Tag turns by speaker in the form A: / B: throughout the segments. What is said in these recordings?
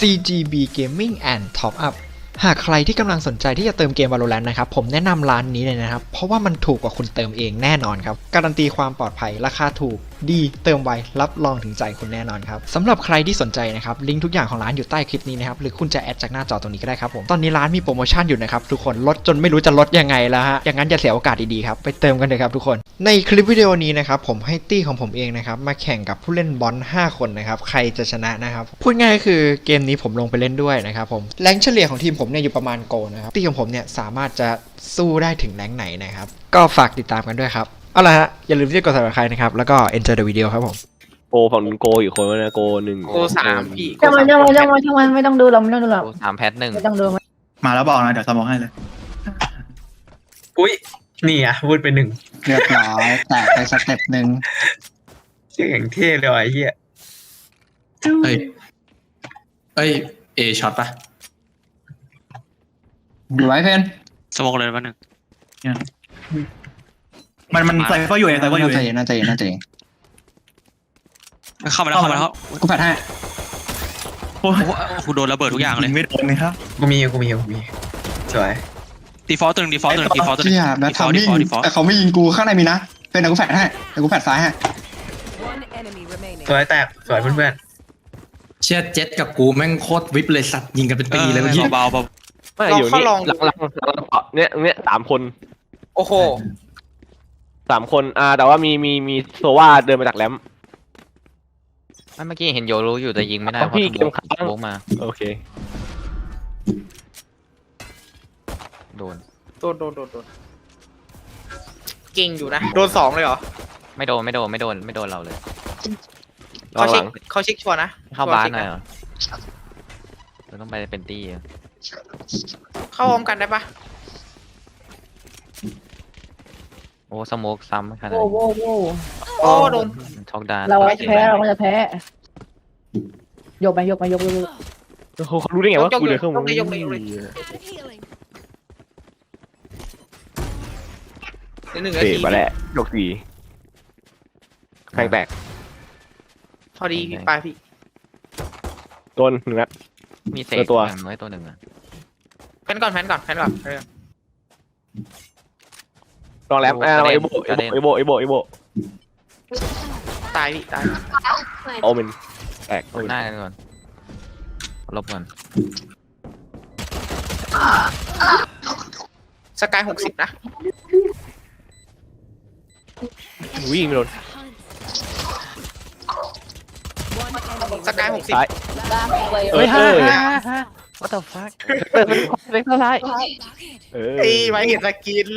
A: CGB Gaming and Top Up หากใครที่กำลังสนใจที่จะเติมเกม Valorant นะครับผมแนะนำร้านนี้เลยนะครับเพราะว่ามันถูกกว่าคุณเติมเองแน่นอนครับการันตีความปลอดภัยราคาถูกดีเติมไวรับรองถึงใจคุณแน่นอนครับสำหรับใครที่สนใจนะครับลิงก์ทุกอย่างของร้านอยู่ใต้คลิปนี้นะครับหรือคุณจะแอดจากหน้าจอตรงนี้ก็ได้ครับผมตอนนี้ร้านมีโปรโมชั่นอยู่นะครับทุกคนลดจนไม่รู้จะลดยังไงแล้วฮะอย่างนั้นอย่าเสียโอกาสดีๆครับไปเติมกันเลยครับทุกคนในคลิปวิดีโอนี้นะครับผมให้ตี้ของผมเองนะครับมาแข่งกับผู้เล่นบอล5คนนะครับใครจะชนะนะครับพูดง่ายคือเกมนี้ผมลงไปเล่นด้วยนะครับผมแรงเฉลี่ยของทีมผมเนี่ยอยู่ประมาณโกนะครับตี้ของผมเนี่ยสามารถจะสู้ได้ถึงแรงไหนนะครับก็ฝากติดตามกันด้วยครับเอาล่ะฮะอย่าลืมที่จะกด subscribe นะครับแล้วก็ enjoy the video ครับผม
B: โกฝั่งนู้นโกอยู่คนนะโกหนึ่ง
C: โกสามพี่
D: จังหวะไม่ต้องดูหรอกไม่ต้องดูหรอก
E: สามแพทหนึ่ง
D: ไม่ต้องดู
F: มาแล้วบอกนะเดี๋ยวสมองให้เลย
C: อุ้ยนี่อ่ะพูดไปหนึ่ง
F: เรียบร้อยแตกไปสเต็ปหนึ่ง
C: ชื่ออย่างเท่เลยว่ะไอ้เหี้ย
G: เอ้ยเอช็อตปะ
F: อยู่ไว้เพน
G: สโมกเลยวันหนึ่ง
F: มันใส่ก็อยู่เองใส่ก็อยู่เองน่าจะ
G: เข้ามาแล้ว
F: กูแผดให้
G: โอ้โหโดนระเบิดทุกอย่างเลย
F: ไม่โดนเลยครับ
C: กูมีสวย
G: ดีฟอลต์ตึงดีฟอลต์ตึงดีฟอลต์ตึง
F: เชี่ยแล้วทำมิ่งแต่เขาไม่ยิงกูข้างในมีนะเป็นแต่กูแผดให้แต่กูแผดซ้ายให้
C: สวยแตกสวยเพื่อน
H: เชี่ยเจ็ตกับกูแม่งโคตรวิบเลยสัตว์ยิงกันเป็นปีเลยเมื่อกี้
G: เบา
B: ไม่อยู่นี่หลังเนี่ย3 คน
C: ๆโอ้โห
B: 3 คนแต่ว่ามีโซวาเดินมาจากแรม
E: เมื่อกี้เห็นโยรู้อยู่แต่ยิงไม่ได้เพราะ
B: พี่เกมค้าง
E: โบกมา
B: โอเค
E: โดน
C: เก่งอยู่นะโดน2เลยเหรอ
E: ไม่โดนเราเลย
C: เขาเช็คชัวร์นะ
E: เข้าบ้านหน่อยเหรอเราต้องไปเป็นตี้อะ
C: เข้าพร้อมกันได้ปะ
E: โอ้สโมกซ้ำขนาด
D: โว้
E: นี้
C: โอ้โดน
E: ช็อกดาน
D: เราจะแพ้ยกไป
B: เขารู้ได้ไงว่ากูเดินเข้ามา
C: ยกเลย1 นา
B: เตะ
C: ที
B: มาแล้วยก4แข่งแตก
C: พอดีพี่ปลายพี่
B: โดน1 นัด
E: มีเศษไว้ตัวหนึ่งอะ
C: แพนก่อน
B: ลองแรมเอโบ
C: ตายพี่ตาย
B: โอเมนแตก
E: หน้ากันก่อนลบก่อน
C: สกาย60นะ
B: วิ่งไม่โดน
C: สกาย60
B: ซ้าย
E: เฮ้ยwhat the fuck เล็กเท่าไร
C: ตีไว้เห็นสกิน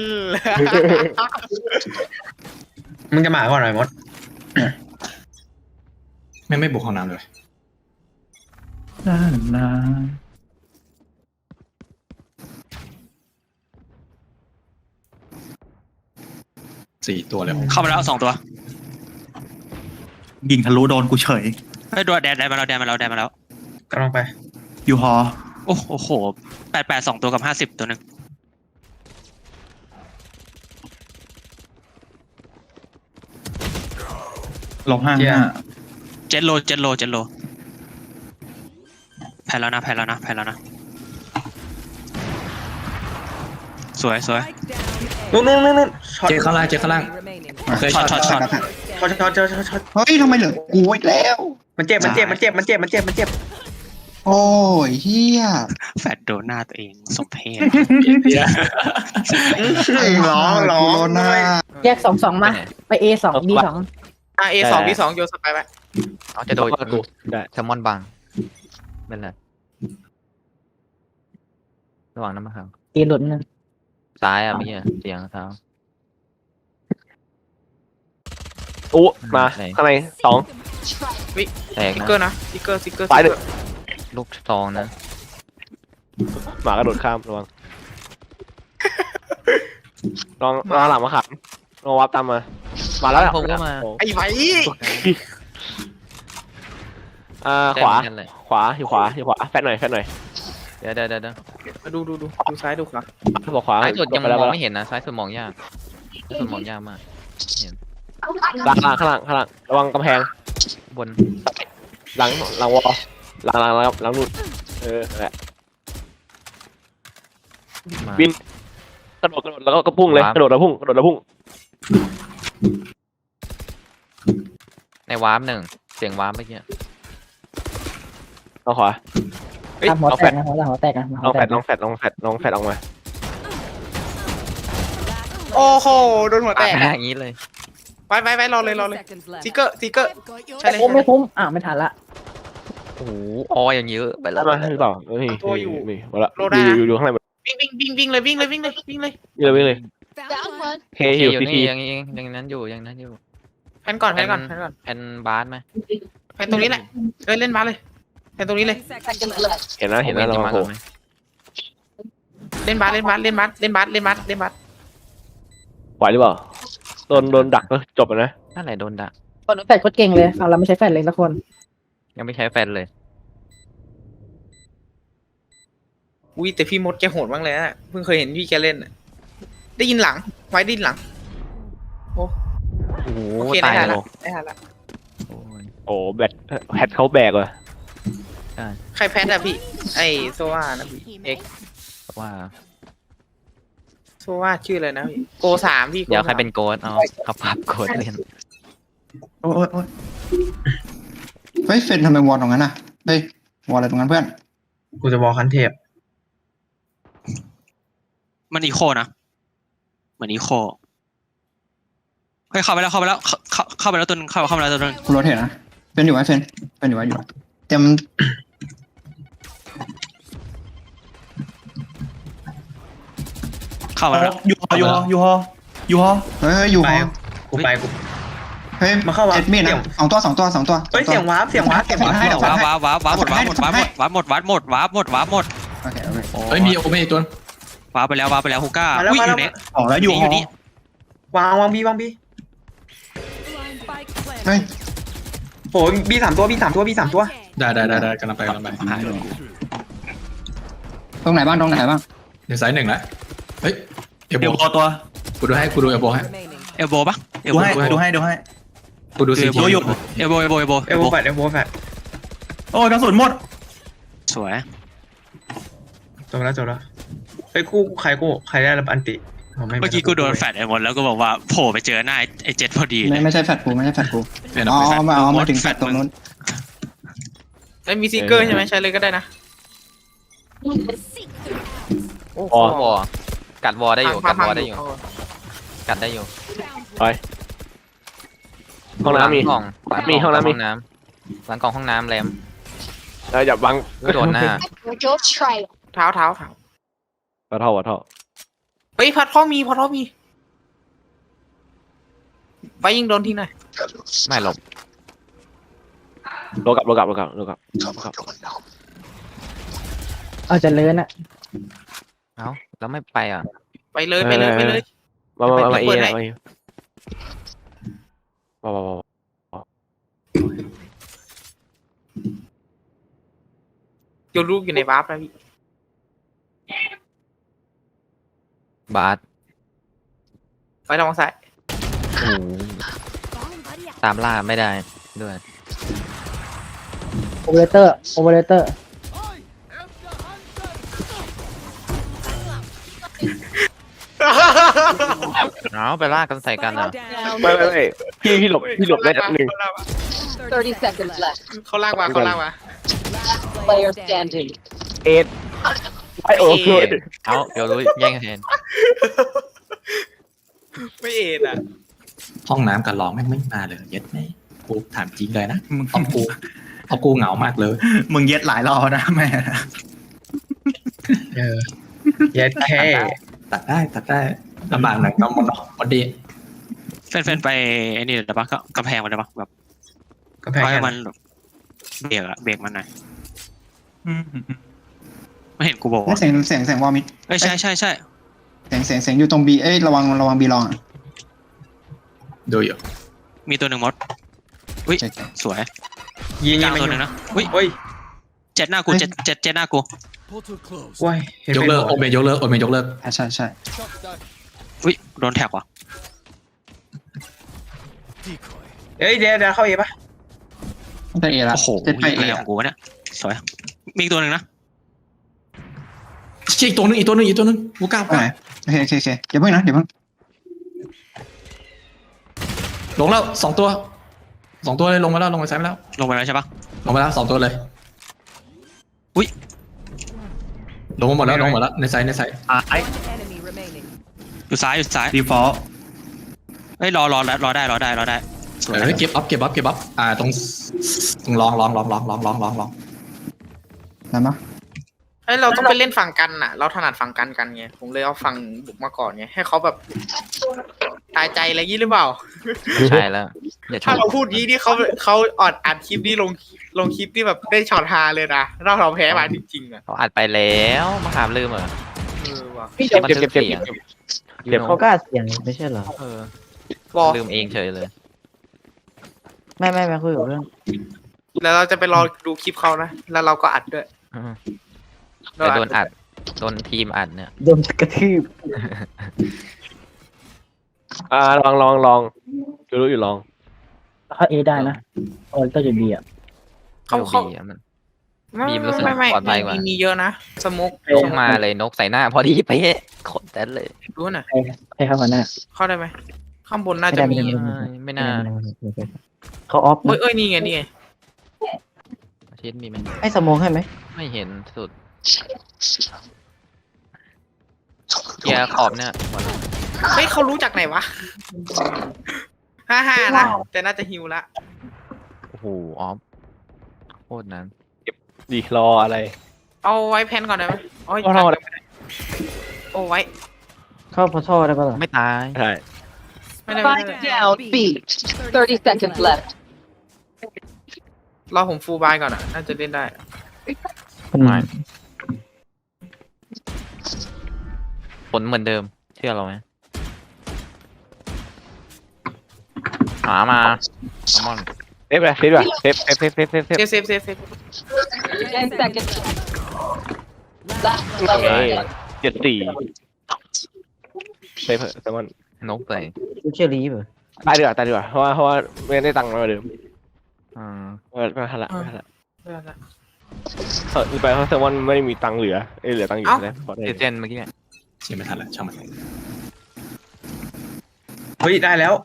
C: มึงจะมาก่อนหน่อยมด
H: ไม่บุกห้องน้ำเลย4 ตัวเลยเข้ามาแล้ว2 ตัว
F: ยิงทะลุโดนกูเฉย
G: เฮ้ยโดนแดนมาแล้ว
C: กำลังไป
F: อยู่ฮอ
G: โอ้โห88 2 ตัวกับ50 ตัวหนึ่ง
F: -5
G: เจ็ดโลแพ้แล้วนะสวย
C: นู่นช็อต
H: เจ็ดข้างล่างเคยช็อต
C: ช็อต
F: เฮ้ยทำไมเหลือกูอีกแล้ว
C: มันเจ็บ
F: โอ้ยเฮีย
G: แฟดโดนหน้าตัวเองสมเพช
C: ร้อง
F: หน้า
D: แยก2มาไป A2 B2
C: A2 B2 โยนสไปไป
E: เอาจะโดน
B: ได้
E: แซลมอนบังเป็นไรระหว่างน้ำมันครับ
D: A หลุดนึง
E: ซ้ายมีเสียงเท้า
B: มาข้างใน2
E: แตก
C: สติ๊ก
E: นะ
C: เกอร์นะสติ๊กเกอร์
B: ซ้าย1
E: ลูกซองนะ
B: หมากระโดดข้ามระวังลองหลังมาขับลองวับตามมาแล้ว
E: ผมก็มา
C: ไอ้ไว้
B: ขวาอยู่ขวาแฟดหน่อย
E: เดี๋ยว
C: มาดูซ้ายดูขวา
B: บอกขวา
E: ซ้ายสุดยังมองไม่เห็นนะซ้ายสุดมองยากมากเห็น
B: ข้างหลังระวังกำแพง
E: บน
B: หลังวอลหลังนู่นนั่นแหละ
E: มา
B: บินกระโดดแล้วก็พุ่งเลย
E: ว้าว
B: กระโดดแล้วพุ่ง
E: ในวาร์ปหนึ่งเสียงวาร์ปเมื่อกี้
B: เอาขวาเฮ้ย
D: ตามหัว
B: เอา
D: แต
B: แฟ
D: ก
B: ด
D: นะหัวแตกนะ
B: ลองแฟดลองแฟดออกมา
I: โอ้โหโดนหัวแตก
E: อย่างนี้เลย
I: ไปรอเลยทิกเกอร์ใช่เลย
D: โอ้ไม่คุ้มไม่ทันละ
E: โอ้โหอออย่างเยอะไปแล้ว
B: ได้มาหรือเปล่าเฮ้ย
I: ตัวอยู่
B: มีหมดละ
I: โลได้นะ
B: อยู่ข้างในหมด
I: วิ่งเลย
B: วิ่งเลยเค
E: อ
B: อยู่
E: ยู่
B: ที
E: นี่
B: ที
E: ยังนั้นอยู่
I: แพนก่อน
E: แพนบาสไหม
I: แพนตรงนี้แหละเล่นบาสเลยแพนตรงนี้เลย
B: เห็นนะ
E: จะ
B: เรา
E: มา
B: โผล่
E: ไหม
I: เล่นบาส
B: ไหวหรือเปล่าโดนดักก็จบแล้วนะ
E: นั่นแหละโดนดัก
D: คนแฟดโคตรเก่งเลยฝั่งเราไม่ใช้แฟดเลยสักคน
E: ยังไม่ใช้แฟนเลย
I: อุ้ยแต่พี่มดแกโหดมากเลยนะเพิ่งเคยเห็นพี่แกเล่นได้ยินหลังไว้ได้ยินหลัง
E: โอ้โห
I: โอเค
E: ตาย
I: ได้
E: แล้
I: ละ
E: ว
I: ได้ละ
E: โอ้ย
B: โอ้แพทเขาแบกว่ะ
I: ใครแพทอะพี่ไอโซวานะพี่เอ็ก
E: ว่า
I: โซวาชื่ออะไรนะพี่โก3พี่
E: เดี๋ยวใครเป็นโกดเอาภาพโกดเล่น
F: โอ้ยเฮ้ยเฟนทำไมวอลตรงนั้นน่ะเฮ้ยวอลอะไรตรงนั้นเพื่อน
C: กูจะบอกคันเทพ
G: มันอีโคนะเหมือนอีโคเฮ้ยเข้าไปแล้วเข้าไปแล้วตัวนึงเข้าไปแล้วตัวนึง
F: กูโรเทตนะเป็นอยู่ไว้เฟนเป็นอยู่ไว้อยู่เต็ม
G: เข้ามาแล้ว
F: เฮ้ยอยู่
C: ไป
F: ฮอ
C: กูไปกู
F: เฮ้ย
C: มาเข้าวะ
F: เจ็ดมีดนะสองตัว
C: เฮ้ยเสียงวาร์ป
F: เก็บให้เดี๋ยว
G: ว้า
F: ให้
G: วหมด
F: โอเคโอเค
H: เฮ้ยมีโอเมอีกตัว
G: ว้าไปแล้วฮูก้า
C: มาแล้ว
G: อุ้ย
C: มา
G: อ
C: แล้ว
G: ยู่เนี่ย
F: ออกแล้วอยู่
G: อยู่นี่
C: วางบี
F: เฮ้ย
C: โอ้บี3 ตัว
H: ได้กำลังไป
G: หายเลย
F: ตรงไหนบ้าง
H: เดี๋ยวไซส์หนึ่งละเฮ้ยเอล
J: เดี๋ยว
H: โบ
J: พอตัว
H: กูดูเอลโบให้
G: เอลโบปะเอล
J: ดู
G: โบ
J: ให้ดูให้
H: กูดูซี
J: ดูอยู่
G: เอลโบ
C: เอลโบแฟด
J: โอ้ยกระสุนหมด
G: สวย
C: จบแล้วเฮ้ยใครได้รับอันติ
G: เมื่อกี้กูโดนแฟดไอ้หมดแล้วก็บอกว่าโผล่ไปเจอหน้าไอ้เจ็ดพอดีเลย
F: ไม่ใช่แฟดกู
H: เป็น
F: อ๋อ
H: แฟด
F: มาถึงแฟดตรงนู้น
I: แล้วมีซิกเกอร์ใช่ไหมใช้เลยก็ได้นะโอ้โห
E: วอกัดวอได้อยู่กัดได้อยู่
B: ห้องน้ำมี
E: กล่อง
B: มีห้องน้ำมี
E: หลังกล่องห้องน้ำแรม
B: อย่าบัง
E: โดนหน้า
I: เท้า
B: วัดท่อ
I: เฮ้ยพัดพ่อมีไปยิงโดนที่ไหน
E: ไม่หลบ
B: โลกลับ
D: เอาจะเลื่อนอะ
E: เอ้าแล้วไม่ไปอ่ะ
I: ไปเลย
B: มาเอนะมา
I: โยนลูกอยู่ในวาร์ปนะพี่
E: บาส
I: ไปทางซ้าย
E: โอ้ตามล่าไม่ได้ด้วย
D: โอเวอเรเตอร์
E: เอาไปล่ากันใส่กันอ่ะ
B: ไม่พี่หลบได้หนึ่ง
K: 30 seconds left.
I: เขาลากมา
K: Player standing.
B: เอ็ดไอโอเค
E: เอาเดี๋ยวรู้แย่งแทน
I: ไม่เอ็ดอ่ะ
H: ห้องน้ำกับร้องแม่งไม่มาเลยเย็ดไหมกูถามจริงเลยนะเอากูเหงามากเลย
J: มึงเย็ดหลายรอบนะแม่
C: เย็ดแค่
H: ตัดได้ลำบากหน่อยก็มันพอดี
G: แฟนไปไอ้นี่เดี๋ยวปะก็กำแพงมันเดี๋ยวปะแบบ
C: ก็แพ้
G: ให้มันเบรกมันหน่อยไม่เห็นกูบอกว่า
F: เสียงวอลมิด
G: ใช่
F: เสียงอยู่ตรงบีระวังบีลอง
H: ดูอยู่
G: มีตัวหนึ่งมดอุ้ยสวย
C: ยิง
G: กลาง
C: ไม่
G: ตัวหนึ่งนะอุ้ย
C: เฮ้ย
G: เจ็ดหน้ากูเจ็ดหน้ากู
C: ว้ย
H: ยกเลิกโอเมยกเลิก
F: ใช่
G: อุ้ยโดนแท็กว่ะ
C: เฮ้ยเดี๋ยวเข้าเอปะ
F: ได้เอละ
G: โอ้โห
F: เจ็ดไปเอ
G: อะไรของกูวะเนี่ยสวยมีอีกตัวหนึ่งนะ
H: อีกตัวหนึงกูก้าว
F: ไปไหนโอเคอย่าเพิ่งนะเดี๋ยวเพิ่ง
H: ลงแล้ว2 ตัวเลยลงมาแล้วลงไปซ้ายมาแล้ว
G: ลงไปแล้วใช่ปะ
H: ลงมาแล้ว2 ตัวเลย
G: อุ้ย
H: ลงมาหมดแล้วในไซส์
K: Enemy remaining.
G: อยู่ซ้าย
J: ดีฟอลต์
G: เฮ้ยรอได้สวย
H: เก็บอัพตรงลอง
F: ได้มั้ย
I: เฮ้ยเราต้องไปเล่นฝั่งกันน่ะ เราถนัดฝั่งกันไงผมเลยเอาฝั่งบุกมาก่อนไงให้เขาแบบตายใจอะไรยี่หรือเปล่า
E: ใช่แล้วอย่าช
I: ถ้าม เราพูดยี่นี่เขาออดอัดคลิปนี้ลงคลิปที่แบบได้ช็อตฮาเลยนะเราแพ้มาจริงๆอ่ะ
E: เขาอัดไปแล้วมาหามลืมเหรอ
I: ว่ะ
B: เจ็บ
E: มัน
B: เจ็บ
E: ลืม
B: เจ็บ
E: เสียง
B: เจ็บ
D: เขาก็อัดเสียงไม่ใช่เหรอ
E: เออ
I: บอก
E: ลืมเองเฉยเลย
D: ไม่คุยกับเรื่อง
I: แล้วเราจะไปรอดูคลิปเขานะแล้วเราก็อัดด้วย
E: อืมแต่โดนอัดโดนทีมอัดเนี่ย
D: โดนกระทืบ
B: ลองรู้อยู่ลอง
D: ถ้าเอได้นะโอ้ก็จะดีอ่ะ
I: เขา
E: บีอะมันบีมรู้สึกปลอดภัยกว่า
I: มีเยอะนะสมุก
E: ลงมาเลยนกใส่หน้าพอดีเป๊ะขนแต้นเลย
I: ดูหน่อย
D: ให้เข้ามาหน้า
I: เข้าได้ไหมข้างบนน่าจะมี
E: ไม่น่า
D: เขาออฟ
I: เอ้ยนี่ไง
E: อาทิตย์มีไหม
D: ให้สมองให้ไหม
E: ไม่เห็นสุดเกียร์ขอบเนี่ยหมดแล้ว
I: เฮ้ยเขารู้จากไหนวะ55นะแต่น่าจะฮิวละ
E: โอ้โหออฟโคตรนั้น
B: ดีรออะไร
I: เอาไว้แพนก่อนได้ไหมโอ้ย
B: เอาได้
I: โอ้ไว้
D: เข้าพอท่อได้ปะล่ะ
E: ไม่ตาย
B: ใช่
I: ไม่ได้
K: Spike down B. 30 seconds left.
I: รอผมฟูลบายก่อนอ่ะน่าจะเล่นได้
E: ผลเหมือนเดิมเชื่อเราไหมหามาคอมอน
B: เซฟเลยเซฟด้วยเซฟ
I: เซฟ
K: 10 seconds. Last
B: โอเค
K: player.
B: 74เซฟแซมมอน
E: นกใส่
D: เชื่อรีบเหรอ
B: ตายดีกว่าเพราะว่าไม่ได้ตังค์มาเดิม
E: อ่า
B: ไม่ทันละไปเพราะแซมมอนไม่มีตังค์เหลือเหลือตังค์อยู่นะพอได้
E: เจนเมื่อกี้เนี่ย
H: เชี่ยไม่ทันละช่างมัน
C: เฮ้ยได้แล้ว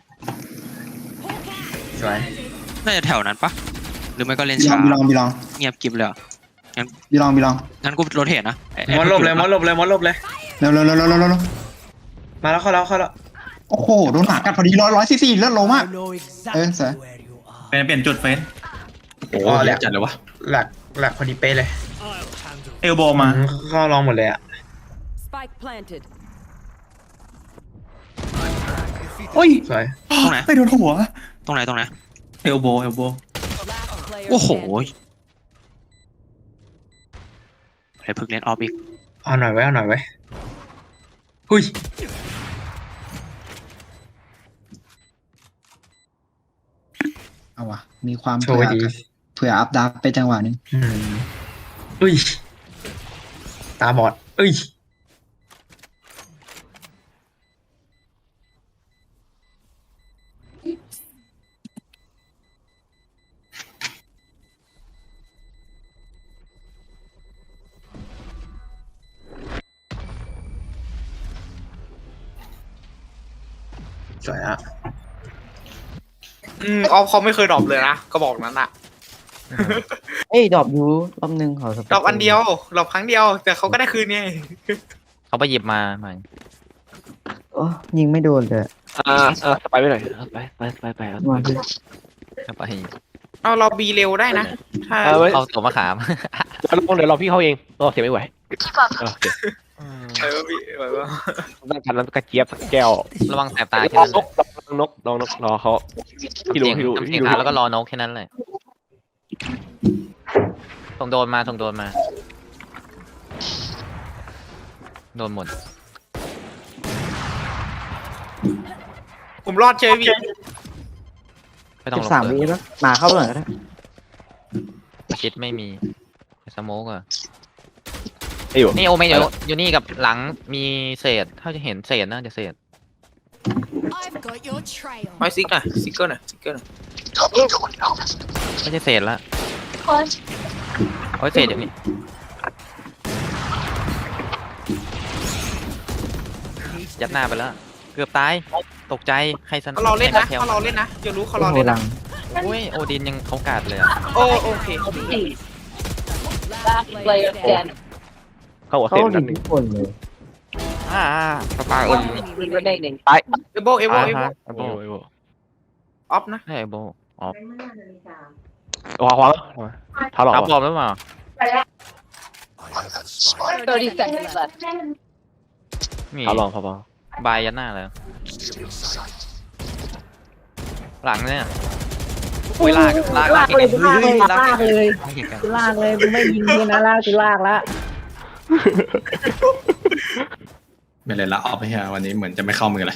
C: สวย
G: น่าจะแถวนั้นปะหรือไม่ก็เล่น
F: บีล
G: ช้า
F: องบีลอง
G: เงียบกริบเลยเหรอ
F: บีลอง
G: งั้นกูโรเทตนะไอ้
C: มอสลบเลย
F: เร็ว
C: มาแล้วเข้าแล้ว
F: โอ้โหโดนหมากัดพอดี144เลือดลงมากเสร็จ
J: เปลี่ยนจุดเฟน
H: โอ้โหเยอะจัดเลยวะ
C: หลักพอดีเป๊ะเลย
J: เอลโบมา
C: เข้าลองหมดเลยอ่ะ
K: Spike planted.
J: โอ้ย
C: สวย
G: ตรงไหน
J: ไปโดนหัว
G: ตรงไหน
J: เอลโบ
K: Last player
G: โอ้โห
K: standing.
G: ไอ้พึกเล่นออฟอีก
C: เอาหน่อยไว้หุ้ย
F: เอาว่ะมีความ
C: โชว์ดี
F: เผื่ออัพดับไปจังหวะนึง
C: อุ้ยตาบอดสวยอ่ะ
I: ออฟเขาไม่เคยดรอปเลยนะก็บอกนั้นอ่ะ
D: เอ้ยดรอปยูรอบนึงขอส
I: ดรอปอันเดียวดรอปครั้งเดียวแต่เขาก็ได้คืนไง
E: เขาไปหยิบมาใหม่
D: โอ้ยิงไม่โดนเลย
B: สไปไปหน่อยไป
D: มาดิ
E: เอาไป
I: เอาเราบีเร็วได้นะถ้า
E: เอาตัวมะขาม
B: เดี๋ยวรอพี่เขาเองรอเสียไม่ไหว
I: บีแบบว่า
B: ต้องการน้ำกระเจี๊ยบแก้ว
E: ระวังแสบตาแค่
B: ลอง
E: นั้น
B: นกรอเขาพี่รู้
E: ทำเสียงขาแล้วก็รอนกแค่นั้นเลยส่งโดนมาโดนหมด
I: ผมรอดเชยพี่
E: ไม่ต้องลง
D: 13
E: เล
D: วิ
E: ย
D: แล้วมาเข้าไปหน่อยก็ได้
E: คิดไม่มีสโมกอะ
B: อยู่
E: นี่โอเมนอยู่นี่กับหลังมีเศษถ้าจะเห็นเศษนะจะเศษ
K: I've got your trail.
I: ไว้ซิกหน่อยซิกเกอร์หน่อย
E: ไม่ใช่เศษละโอ้ยเศษอย่างนี้ยัดหน้าไปแล้ว เกือบตาย ตกใจ ใครสน
I: เขาเราเล่นนะ
E: แถว
I: เขาเราเล่นนะอย่ารู้เขาเราเล่นนะ
E: โอ้ย โอดินยังเขากาดเลยอะ
I: โอเค
K: Last player standing.
B: เข้าหัวเซนนั่นหนึ่ง
E: สปาเอิญ
K: Enemy remaining.
I: เอโบเอโบ
E: อ่า
I: เอโบ
E: ฮะโบ
I: ออฟนะ
E: ใช่โบอ๋อ
B: ขวาเท้าหลอก
E: ทับบอมหรือเปล่า
K: 30 seconds left.
E: นี่
B: เท้าหลอกพอบ
E: ายยัดหน้าเลย หลังเนี่ยอุ้ยลากลาก
D: ลากเลยลากเลย
E: ลาก
D: ลากเลย
E: เก่งกัน
D: ลากเลยมึงไม่ยิงกูนะลากกูลากละ
H: ไม่เลยละออฟไปฮะวันนี้เหมือนจะไม่เข้ามือเลย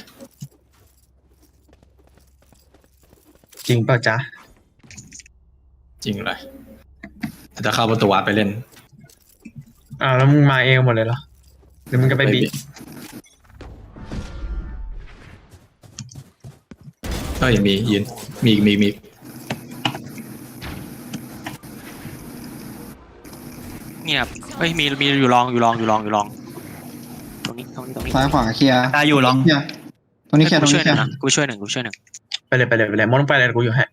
C: จริงเปล่าจ๊ะ
H: จริงเลยจะเข้าประตูวัดไปเล่น
C: แล้วมึงมาเองหมดเลยเหรอหรือมึงจะไปบี
H: ก็ยังมียืนมีอีกมี
G: เงียบเฮ้ยมีอยู่ลองตรงนี้
F: ซ้ายขวาเคลียร์
J: ตายอยู่ลอง
F: เคลียร์ตรงนี้เคลียร์ตรง
G: ช่ว
F: นี้
G: ย
F: เค
G: ห
F: ลี
G: นึ่
F: ย
G: ง
F: ร์
G: นะกูช่วยหนึ่ง
C: ไปเลยมอนไปเลยกูอยู่แฮะ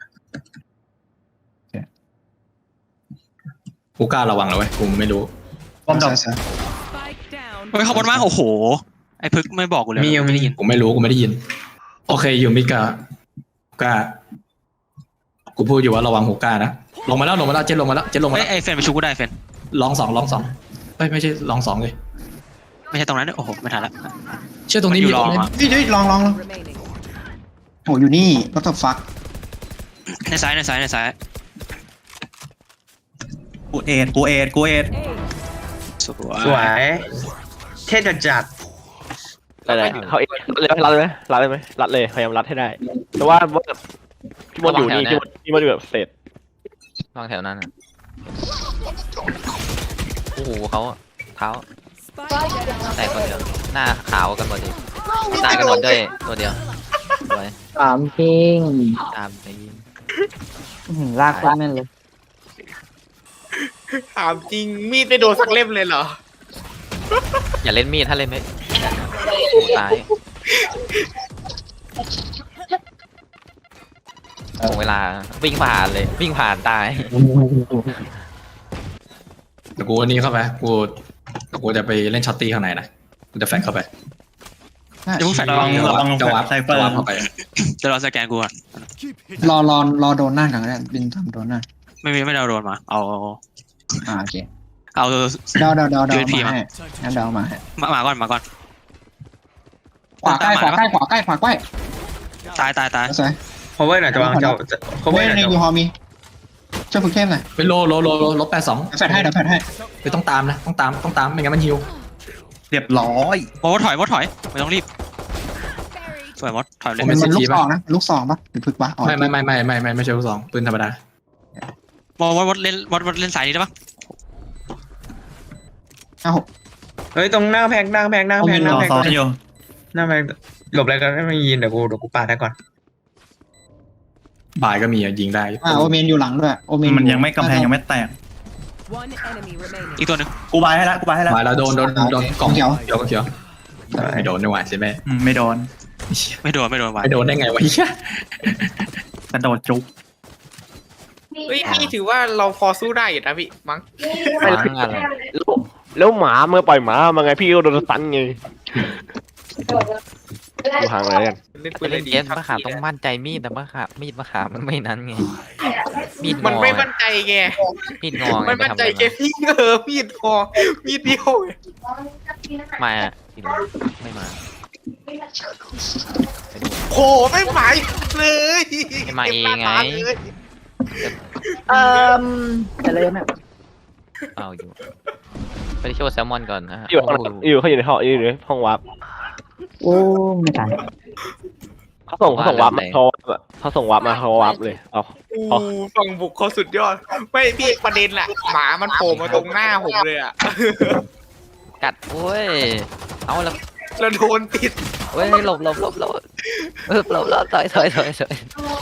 H: กูกล้าระวังเลยเว้ยกูไม่รู้
J: ป้อมดอก
F: ซ้าย
K: Spike down.
G: เฮ้ยขบวนมากโอ้โหไอ้พึกไม่บอกกูเลย
C: มียัง
G: ไม่ได้ยิน
H: กูไม่รู้กูไม่ได้ยิน โอเคอยู่มิกากล้ากูพูดอยู่ว่าระวังหูกล้านะลงมาแล้วเจ็ดลงมาแล้ว
G: เฮ้ยไอ้เฟนไปชูกูได้เฟน
H: ลองสองเฮ้ยไม่ใช่ลองสองเลย
G: ไม่ใช่ตรงนั้นด้วยโอ้โหไม่ทันละ
H: เชื่อตรงนี้
G: อยู่
H: มี
G: ลอง
H: คน
G: อ่ะ
F: เฮ้ยลอง
K: Remaining.
F: โหอยู่นี่ก็ต้องฟัก
G: ในซ้าย
J: กูเอ็ด
G: สว
C: สวย เท่จัด
B: อะไรเขาเองรัดเลยไหมรัดเลยพยายามรัดให้ได้แต่ว่าพี่มดอยู่นี่พี่มดอยู่แบบเศษ
E: วางแถวนั้นอะโอ้โหเขาอะเท้า
K: Spike down.
E: แต่คนเดียว หน้าขาวกันหมดดิตายกันหมดด้วยตัวเดียวสวย
D: ถามจริง
E: ตามไปยิง
D: ลากคนแม่นเลย
I: ถามจริงมีดไม่โดนสักเล่มเลยเหรอ
E: อย่าเล่นมีดถ้าเล่นไม่โอ้ตายโอ้เวลาวิ่งผ่านเลยวิ่งผ่านตาย
H: แต่กูอันนี้เข้าไปกูจะไปเล่นช็อตตี้ข้างในนะกูจะแฟนเข้าไป
G: เดี๋ยวมึงแฟน
J: ลอง
H: จะวับ
J: ไซเฟอร์
H: เข้าไป
G: จะรอสแกนกูก่อน
F: รอโดนหน้ากันก็ได้บินทำโดนหน้า
G: ไม่ได้โดนมาเอา
F: โอเค
G: เอา
F: เดา
G: USP
F: มาให้งั้นเดามาให้
G: มาก่อน
F: ขวาใกล้ตาย
G: ตาย
F: สวย
C: ๆ cover หน่อยจะวางเจ้า cover หน่อย
F: ใน
C: จะ
F: ยูฮอมีช่วยฝึกเทพหน่อย
H: ไปโลลบ82
F: แฟดให้เดี๋ยวแฟดให้
H: ไปต้องตามนะต้องตามไม่งั้นมันฮิว
J: เรียบร้อย
G: มดถอยไม่ต้องรีบสวยมดถอยเลย
F: มันลูกซองนะลูกซองปะหรือฝึกปะ
H: ไม่ใช่ลูกซองปืนธรรมดาม
G: ดเล่นสายนี้ได้ปะ
C: เฮ้ยตรงหน้าแพง
J: ต่อซ้อนอยู่
C: หน้าแพงหลบอะไรกันไม่ยินเดี๋ยวกูปาดให้ก่อน
H: บ่ายก็มียิงได้
F: โอเมนอยู่หลังด้วยโอเมน
J: มันยังไม่กำแพงยังไม่แตก
K: One enemy remaining.
G: อีกตัวหนึง
J: กูบายให้ละ
H: บ่ายแล้วโดนกล่อง
F: เขียว
H: เขียวไม่โดนไม่ไหวใช่ไหม
J: ไม่โดน
G: ไม่โดนว่ะ
H: ไม่โดนได้ไงวะเฮีย
J: กระโดดจุก
I: เฮ้ยพี่ถือว่าเราพอสู้ได้อยู่นะพี่มั้ง
E: วางอะไร
B: แล้วหมาเมื่อปล่อยหมามาไงพี่ก็โดนตันไงดูห่างเลยกัน
I: เล่นปื
E: ไป
I: นเล
E: เล่
I: ย
E: น
I: ดี
E: เกมมะขามต้องมั่นใจมีดแต่มะขามมีดมะขามมันไม่นั้นไงมีดงอ
I: มันไม่มั่นใจไง
E: มีดงอไง
I: ไม่มั่นใจแกพี่มีดพอมีดเดียว
E: มาอ่ะไม่มา
I: โหไม่หมายเลย
E: ไม่มาเองไง
D: จะเลยนะ
E: เอาอยู่ไปโชว์แซลมอนก่อนนะฮะ
B: เขาอยู่ในห้องวับ
D: โอ้ไม่ทัน
B: เขาส่งวับมาเขาส่งวับมาเขาวับเลยเอา
I: ฝั่งบุกเขาสุดยอดไม่พี่ประเด็นแหละหมามันโผล่มาตรงหน้าผมเลยอ่ะ
E: กัดโอ้ยเอาแล้ว
I: แล้วโดนติด
E: เว้ยหลบต่อย
K: Player standing.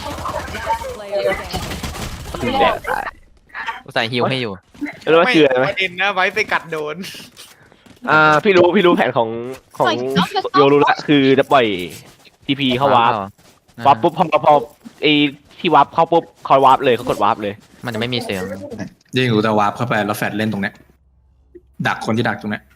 E: แดดตายกูใส่ฮิวให้อยู่
B: แล้วว่าเชื่อไหม
I: ประเด็นนะไว้ไปกัดโดน
B: พี่รู้แผนของโยรู้ละคือจะปล่อยทีพีเข้าวาร์ปวาร์ปปุ๊บพอไอที่วาร์ปเข้าปุ๊บเขาวาร์ปเลยเขากดวาร์ปเลย
E: มันจะไม่มีเสียง
H: ยิ่งกูจะวาร์ปเข้าไปแล้วแฟดเล่นตรงเนี้ยดักคนที่ดักตรงเนี้ย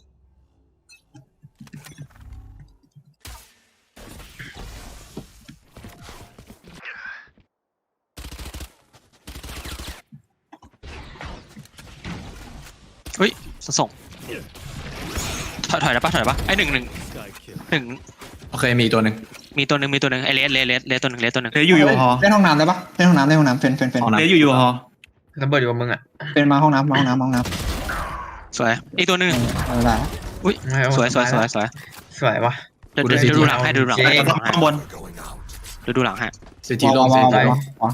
G: เฮ้ยส่งถอยได้ปะไอ้หนึ่ง
H: โอเคมีตัวหนึ่ง
G: มีตัวหนึ่งไอ้เลสตัวหนึ่ง
J: เลสอยู่ฮอ
F: เล่นห้องน้ำได้ปะเล่นห้องน้ำเฟน
J: เลสอยู่ฮอ
C: ระเบิดอยู่กับมึงอ่ะ
F: เป็นมาห้องน้ำ
G: สวยอีกตัวหนึ่ง
F: ได้
G: อุ้ยสวย
C: สวยวะ
G: เดี๋ยวดูหลังให้ดูหลังให้
J: ข้างบน
G: ดูหลังให้
H: ซีจีลงซีจี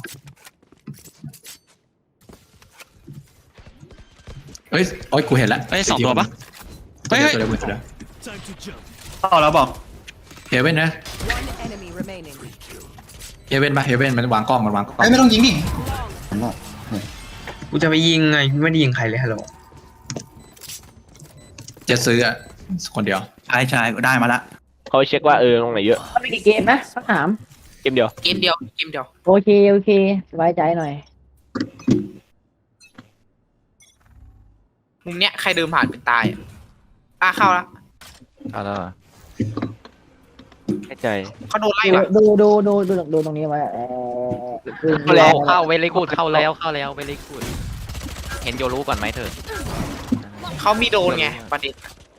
H: เฮ้ยโอ้ยกูเห็นแล้ว
G: เฮ้ยสองตัวปะเฮ้ย
H: เดี๋ยว
J: เข้าแล้วบอก
H: เฮเว่นนะ
K: One enemy remaining.
H: เฮเว่นปะเฮเว่นมันวางกล้อง
F: เฮ้ยไม่ต้องยิงดิ
C: กูจะไปยิงไงกูไม่ได้ยิงใครเลยฮัลโหล
H: จะซื้ออ่ะคนเดียว
J: ชายได้มาละ
B: เขาเช็คว่าตรงไหนเยอะ
D: มันมีกี่เกมนะสักถาม
B: เกมเดียว
I: เกมเดียว
D: โอเคสบายใจหน่อย
I: มุมเนี้ยใครเดินผ่านเป็นตายเข้าละ
E: เอาแล้วเหรอ
B: ให้ใจ
I: เขาโดนไล่นะ
D: ดูตรงนี้ไว้
E: เข้าเวลิกูดเข้าแล้วเวลิกูดเห็นโยรู้ก่อนไหมเธอ
I: เขามีโดนไงประเด็น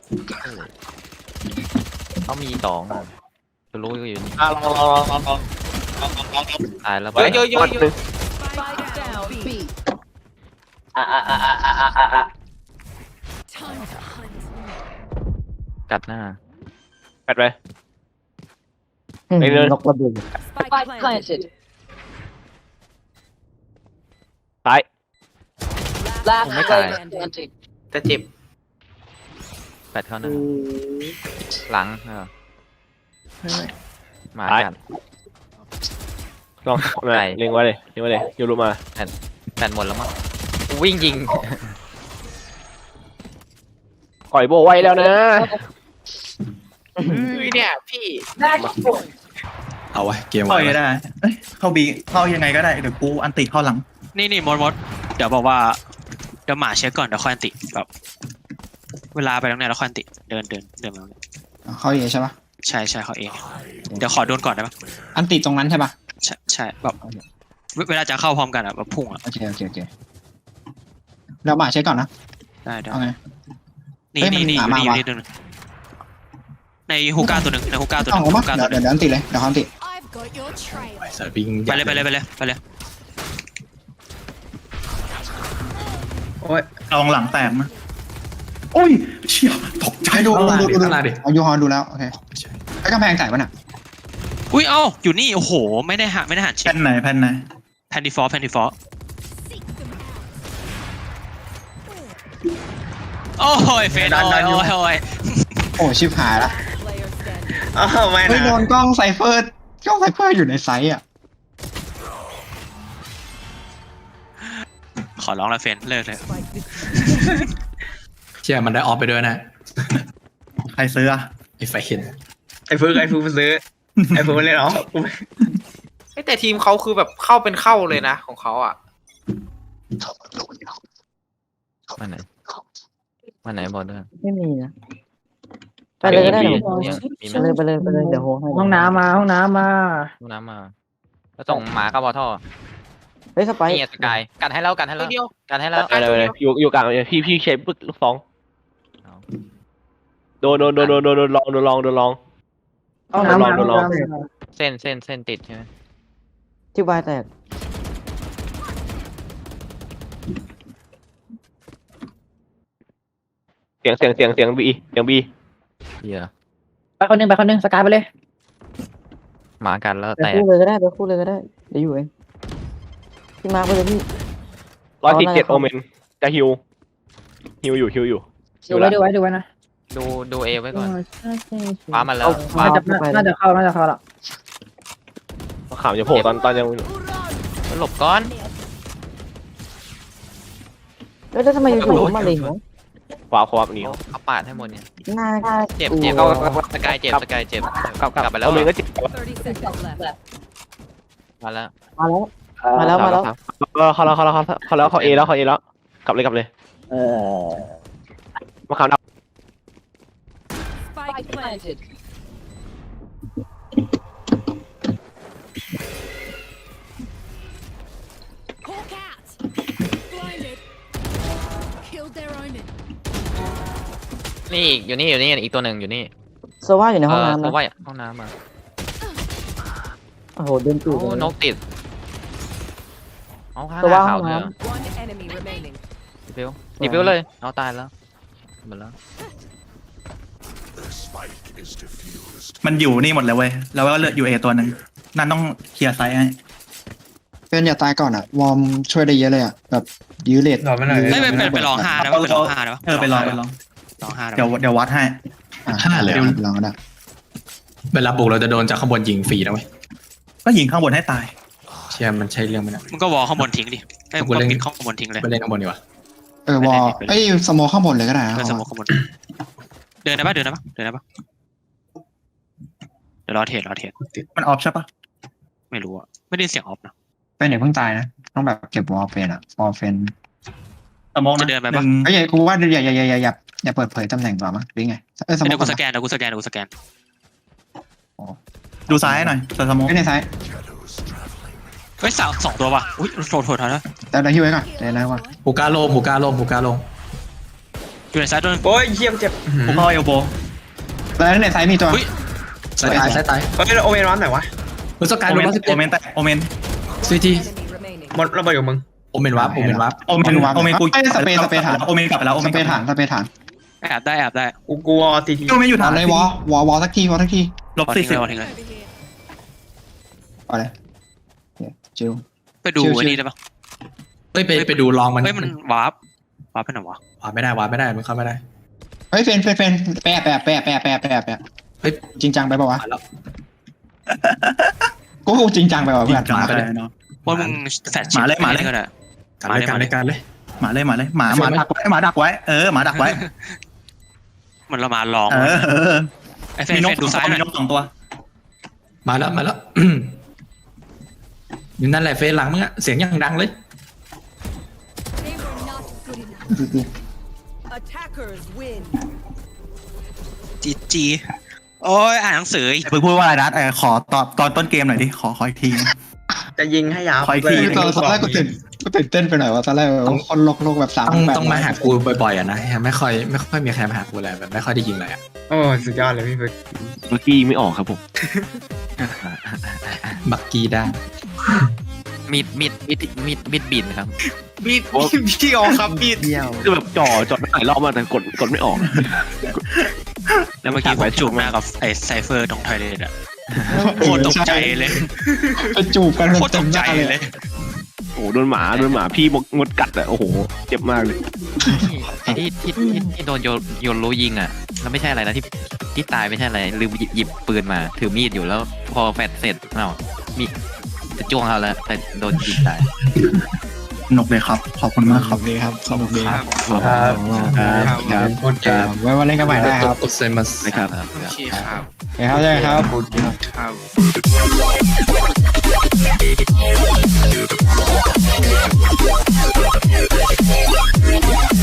E: เขามีสองโยรู้อยู่นี่
B: ลอง
E: ตายแล้ว
I: เยอะ
K: Spike down B.
E: กัดหน้า
B: แปดไป
D: นกระเบิด
K: Spike planted.
B: ซ้าย
K: Last
E: ไม่ตาย
K: standing.
I: แต่เจ็บ
E: แปดเข้าหน้าหลังหมากัด
B: ลองเล็งไว้เลยโยรู้มา
E: แปดหมดแล้วมั้งวิ่งยิง
B: ปล่อยโบไว้แล้วนะ
I: เนี่ยพี่
H: เอาไว้เกม
J: เข้า
H: ไว้
J: ยังได้เข้าบีเข้ายังไงก็ได้เดี๋ยวกูอันติเข้าหลัง
G: นี่มดเดี๋ยวบอกว่าเดี๋ยวหมาเช็คก่อนเดี๋ยวค่อยอันติแบบเวลาไปตรงไหนแล้วค่อยอันติเดินมา
F: เขาเอใช่ปะ
G: ใช่เขาเองเดี๋ยวขอโดนก่อนได้ปะ
F: อันติดตรงนั้นใช่ปะ
G: ใช่แบบเวลาจะเข้าพร้อมกันอะแบบพุ่งอะ
F: โอเคเรามาเช็คก่อนนะ
G: ได้
F: เอาไง
G: นี่
F: เฮ้ยมัน
G: นี่
F: หมามา
G: นี่
F: วะ
G: นี่ตัวนึงในฮูก้าตัวหนึ่ง
F: ต้องออกมาเดี๋ยวอันติเลยเดี๋ยวเขาอันติ
H: ใส่ปิง
G: ไปเลย
C: โอ้ย
J: ลองหลังแตกนะโอ้ยเชี่ยตกใจ
F: ให้ดู
H: ข้างหน้าดิ
F: เอายูฮอดูแล้วโอเคไอ้กำแพงจ่ายป่ะน่ะ
G: อุ้ยเอ้าอยู่นี่โอ้โหไม่ได้หันเช็
J: แผ่
G: คน
J: ไหน
G: แพนดีฟอร์โอ้ยเฟนโอ้ย
F: โอ้ชิบหายละ
K: Player standing.
C: อ้าวไม่
F: เฮ้ยโด
C: นะ
F: นกล้องไซเฟอร์อยู่ในไซส์อ่ะ
G: ขอร้องละเฟนเลิกเลย
K: Spike this.
H: เชี่ยมันได้ออฟไปด้วยนะ
J: ใครซื้ออะ
H: ไอ้ไฟเห็น
C: ไอ้เฟิร์กมาซื้อไอ้เฟิร์กมาเล่นเอา
I: แต่ทีมเขาคือแบบเข้าเป็นเข้าเลยนะของเขาอ่ะ
E: วันไหนบอกด้วย
D: ไม่มีนะไปเลยก็ได้
E: มี
D: เดี๋ยว
E: มีไหม
D: ไปเลยเดี๋ยวห้องน้ำมา
E: ห้องน้ำมาแล้วส่งหมากับบอท่อ
D: เฮ้ยสไป
E: นี่สกายกันให้แล้ว
I: ตัวเดียว
E: กันให้แล้ว
B: เลยอยู่กลางพี่เชฟปึ๊กลูกสองโดนลอง
D: ห้องน้ำมา
E: เส้นติดใช่ไหม
D: ที่วายแตก
B: เสียงบี
E: เหี้ย
D: ไปคนหนึ่งสกายไปเลย
E: หมากันแล้ว
D: ไป
E: แตก
D: คู่เลยก็ได้เดี๋ยวอยู่เองพี่มาไปเลยพี่
B: 147โอเมนจะฮิวอยู่
D: ดูไว้นะ
E: ดูเอไว้ก่อนฟ้ามาแล้ว
D: น่าจะเข้าแล้ว
B: ข่าวจะโผล่ตอนยัง
E: หลบก้อน
D: แล้วทำไมอยู่ๆมาเลย
B: วาร์ปเขาวาร์ปหนี
E: เขาปาดให้หมดเนี่ย
D: น่า
E: เจ็บ
D: กลัว
E: เจ็บสกายเจ็บสกายเจ็บ
B: กลับ
E: กลับไปแล้ว
B: โอเมนก็เจ็บ
K: 30 seconds left.
E: มาแล้ว
D: มาแล้ว
B: เขาเอแล้วกลับเลย มาข่าว
K: Spike planted. Hawk out. Blinded. Killed their omen.
E: นี่อยู่นี่อีกตัวหนึ่งอยู่นี่
D: โซว่าอยู่ในห้องน้ำ
E: เพ
D: นะ
E: ราะว่าห้องน้ำมา
D: โอ้โหเดินตูด
E: โอ้นกติดเอาข้าง
D: ตัวว่า
E: ข่าว
D: ห้อง
E: เนื้อ
D: น้
K: One enemy remaining.
E: ดีฟิวเลยเอาตายแล้วหมดแล้ว
J: มันอยู่นี่หมดเลยเว้ยแล้วก็เหลืออยู่เอตัวหนึ่งนั่นต้องเคลียร์ไซส์ให้
F: เป็นอย่าตายก่อนอะวอร์มช่วยได้เยอะเลยอะแบบยื้อเลด
C: รอไม่หน่อย
G: ไม่ไปลอง5ได้ปะไปลอง5ได้ปะ
J: ไปลอง
G: ลอง5ได้
J: เดี๋ยววัดให้
F: 5เลยลองก็ได้
H: เวลาบุกเราจะโดนจากข้างบนยิงฟรีนะเว้ย
J: ก็ยิงข้างบนให้ตาย
H: เชี่ยมันใช่เรื่องไหมนะ
G: มึงก็วอลข้างบนทิ้งดิไอ้มึงก็ปิดข้างบนทิ้งเลย
H: ไปเล่นข้างบนดีกว่า
F: วอลสโมข้างบนเลยก็ได้นะ
G: เดินสมองข้างบนเดินได้ปะเดี๋ยวรอเทรด
J: มันออฟใช่ปะ
G: ไม่รู้อะไม่ได้เสียงออฟนะ
F: เป็นอย่าเพิ่งตายนะต้องแบบเก็บวอลเป็นอะวอลเป็น
J: สมอง
G: จะเดินไปปะ
F: ไอ้ยกูว่าอย่าเปิดเผยตำแหน่งก่อนมั้งหรือไงสโม
G: เดี๋ยว
F: ก่
G: กู
F: อน
G: สแกน
J: ดูซ้ายหน่อยสมอง
F: ไม่ในซ้าย
G: เฮ้ยสองตัวว่ะอุ้ยโทษนะ
F: แต่เราฮิวไว้ก่อนเดี๋ยวนะว่า
H: ฮูก้าโลม
G: อยู่ในซ้ายตัว
C: โอ้ยเยี่ยมเจ็บ
J: ผมเข้าเอลโบ
F: แล้วในซ้ายมีตัว
H: สายตาย
C: เฮ้ยโอเมนวันไหนวะ
H: มุสกาย
J: โอ
H: โล
J: เมน
H: ม
J: โอเมนแต่โอเมน
H: ซีที
K: Enemy remaining.
C: หมดระเบิดกับมึง
H: โอเมนวับ
J: โอเมนกู
F: สเปรย์ฐาน
J: โอเมนกลับไปแล้วโอ
F: ส
J: เมน
F: เปรย์ฐาน
G: แอบได้
C: กูกลัวทีที
J: ก็ไม่อยู่
F: ฐา
J: ฐาน น
F: เลยวอลสักที
J: ลบ
G: ทิ้ง
J: 40
G: เลย
F: เอาเลยจิว
G: ไปดู
F: ชิวๆ
G: ไอ้นี่ได้ปะ
H: เฮ้ยไปดูลองมัน
G: เฮ้ยมันวาร์ปไปไหนวะ
H: วาไม่ได้มันเข้าไม่ได้
F: เฮ้ยเฟนแปะเฮ้ยจริงจังไปป่าวะ
H: มาแล้ว
F: กูจริงจังไปป่าวเพื่อน
J: มาเลยเนาะ
G: ว่ามึงแฟชชิปก็ได้
H: การเลย
J: หมาดักไว้หมาดักไว้หมาดักไว้
G: เหมือนเรามาลอง ไอ้เฟ
J: มีนก
G: นดูซ้ายหน่
J: มี
G: อย
J: นก2 ตัว
H: มาแล้วนี่นั่นแหละเฟซหลังมึงอะเสียงยังดังเลย
K: They were not good enough. Attackers win.
G: จีโอ้ยอ่านหนังสือ
J: เพิ่งพูดว่าอะไรนะขอตอนต้นเกมหน่อยดิขออีกที
C: จะยิงให้ยาว
J: ขออีกที
F: ตอนแรกกูตื่นเต้นไปหน่อยว่าตอนแรกคนโลกแบบ3
H: ต้องมาหากูบ่อยๆอะนะไม่ค่อยมีใครมาหากูเลยแบบไม่ค่อยได้ยิงเลยอะ
C: โอ้สุดยอดเลยพี่เบิร์ด
B: เมื่อกี้ไม่ออกครับผม
H: บักกี้ได้
E: มีดบินครับ
C: มีพี่ออกครับมีด
B: คือแบบจ่อไม่หลายรอบมากแต่กดไม่ออก
G: แล้วเมื่อกี้ผมจูบหน้ากับไอ้ไซเฟอร์ตรงไทยเลยอะโคตรตกใจเลย
F: ไปจูบกัน
G: โคตรตกใจเลย
B: โอ้โหโดนหมาพี่มดกัดอะโอ้โหเจ็บมากเลย
E: ไอ้ที่โดนโยนรู้ยิงอ่ะแล้วไม่ใช่อะไรนะที่ตายไม่ใช่อะไรลืมหยิบปืนมาถือมีดอยู่แล้วพอแฟดเสร็จมีจะจ้วงเขาแล้วแต่โดนยิงตาย
J: สนุกเลยครับขอบคุณมากครับ
F: ดีครับสนุกดีครับ
B: ครับ
F: ไว้วันเล่นกันใหม่ได้ครับ
H: เซมัส
B: นะครับ
G: โอเคครับ
F: เฮ้ยครับใช่ครับ
G: ครับ